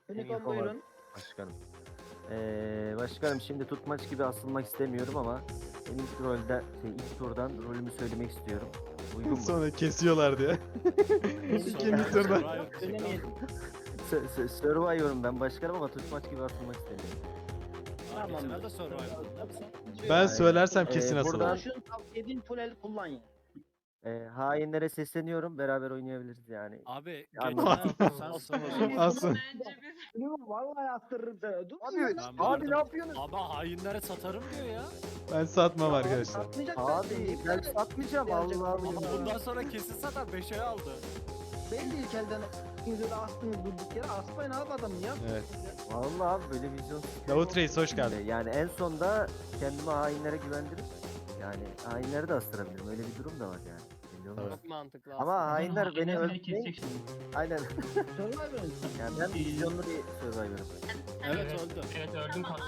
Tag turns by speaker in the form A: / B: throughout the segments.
A: Unicorn buyurun.
B: Başkanım. Başkanım şimdi tutmaç gibi asılmak istemiyorum ama ben ilk turdan rolümü söylemek istiyorum. Uygun mu?
C: Sonra kesiyorlar diye. İkinci turda.
A: Söylemeyelim.
B: Survivor'ım ben başkanım ama tutmaç gibi asılmak istemiyorum.
A: Tamam.
D: Tamam. Da Survivor.
C: Ben söylersem kesin
B: buradan-
C: asılır.
A: Buradan şunu tavsiye edeyim, full el kullan ya.
B: Hainlere sesleniyorum. Beraber oynayabiliriz yani.
D: Abi
B: Anladım.
D: geçen sen sonra.
C: Asın.
A: Vallahi astırırım seni. Dur.
B: Abi ne yapıyorsun?
D: Ama hainlere satarım diyor ya.
C: Ben satmam arkadaşlar.
A: Satmayacak
B: Abi ben satmayacağım Allah
D: Ama
B: Allah.
D: bundan sonra kesin satar 5'e aldı.
A: Ben de ilk elden ikinize de astınız durduk yere. Asmayın abi adamı ya.
C: Evet.
B: Vallahi abi böyle vizyon.
C: Davut Reis hoş geldin.
B: Yani en sonda kendimi hainlere güvendirip yani hainleri de astırabilirim. Öyle bir durum da var yani. Belli olmaz.
C: Evet.
E: Çok mantıklı
B: Ama hainler beni öldürmeyin. Aynen.
A: Survivor'ın.
B: Yani ben vizyonlu bir Survivor'ım.
D: Evet öldü.
F: Evet öldüm kalktım.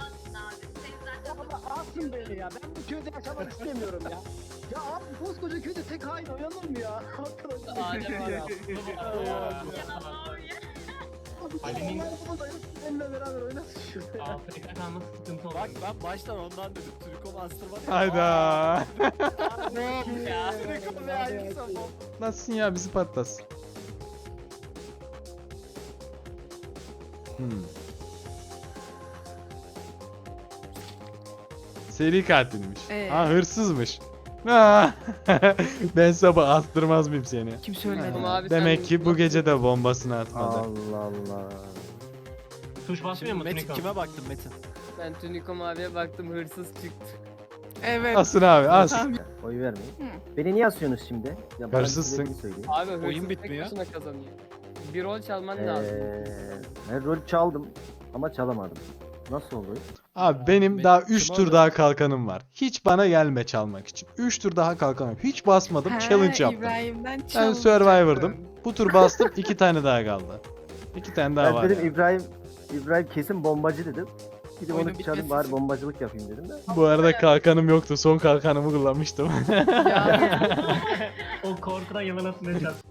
A: Ama asın beni ya. Ben bu köyde yaşamak istemiyorum ya. Ya abi koskoca köyde tek hain oynanır mı ya? Arkadaşlar.
E: Adem var ya.
F: Ali'nin-
A: Benimle beraber oynasın şurada.
F: Afrika kalması sıkıntı olur.
D: Bak ben baştan ondan dedim. Türkom astırmadı.
C: Hayda.
D: Türkom ve aynı sabah.
C: Nasılsın ya bizi patlasın. Seri katilmiş. Ha hırsızmış. Ha. Ben sabah astırmaz mıyım seni?
G: Kim söyledi?
E: Ama abi
C: Demek
E: sen
C: ki bu gece de bombasını atmadı.
B: Allah Allah.
F: Tuş basmıyor
D: Şimdi
F: mu
D: Metin
F: Tunikom?
D: kime baktın Metin?
E: Ben Tunikom abiye baktım hırsız çıktı.
G: Evet.
C: Asın abi as.
B: Oy vermeyin. Beni niye asıyorsunuz şimdi? Ya bana
C: Hırsızsın.
B: sebebini söyleyin.
E: Abi hırsız
D: Oyun
E: tek
D: bitmiyor.
E: başına kazanıyor. Bir rol çalman lazım.
B: Ben rol çaldım ama çalamadım. Nasıl olur?
C: Abi benim
D: Benim
C: daha
D: kim
C: 3 tur
D: aldı?
C: daha kalkanım var. Hiç bana gelme çalmak için. 3 tur daha kalkanım. Hiç basmadım. Challenge yaptım.
G: İbrahim'den
C: Ben
G: çaldı.
C: Survivor'dım. Bu tur bastım. 2 tane daha kaldı. 2 tane daha
B: Ben
C: var.
B: dedim
C: yani.
B: İbrahim kesin bombacı dedim. Gidip
G: Oyunun
B: onu çalayım
G: bitmesi
B: bari
G: için.
B: bombacılık yapayım dedim de.
C: Bu arada kalkanım yoktu. Son kalkanımı kullanmıştım.
E: Ya
F: O korkudan yılana sınıracağız.